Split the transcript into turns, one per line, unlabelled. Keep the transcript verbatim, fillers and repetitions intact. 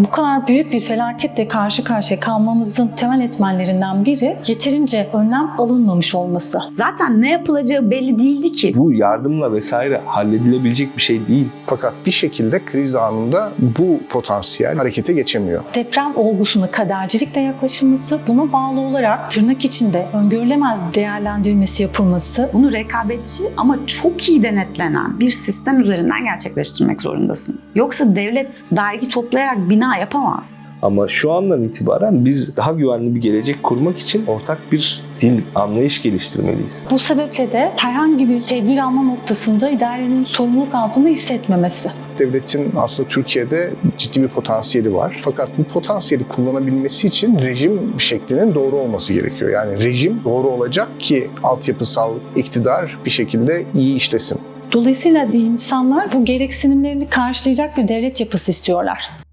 Bu kadar büyük bir felaketle karşı karşıya kalmamızın temel etmenlerinden biri yeterince önlem alınmamış olması.
Zaten ne yapılacağı belli değildi ki.
Bu yardımla vesaire halledilebilecek bir şey değil.
Fakat bir şekilde kriz anında bu potansiyel harekete geçemiyor.
Deprem olgusuna kadercilikle yaklaşılması, buna bağlı olarak tırnak içinde öngörülemez değerlendirilmesi yapılması,
Bunu rekabetçi ama çok iyi denetlenen bir sistem üzerinden gerçekleştirmek zorundasınız. Yoksa devlet vergi toplayarak bina yapamaz.
Ama şu andan itibaren biz daha güvenli bir gelecek kurmak için ortak bir dil, anlayış geliştirmeliyiz.
bu sebeple de herhangi bir tedbir alma noktasında idarenin sorumluluk altında hissetmemesi.
Devletin aslında Türkiye'de ciddi bir potansiyeli var. Fakat bu potansiyeli kullanabilmesi için rejim şeklinin doğru olması gerekiyor. Yani rejim doğru olacak ki altyapısal iktidar bir şekilde iyi işlesin.
Dolayısıyla insanlar bu gereksinimlerini karşılayacak bir devlet yapısı istiyorlar.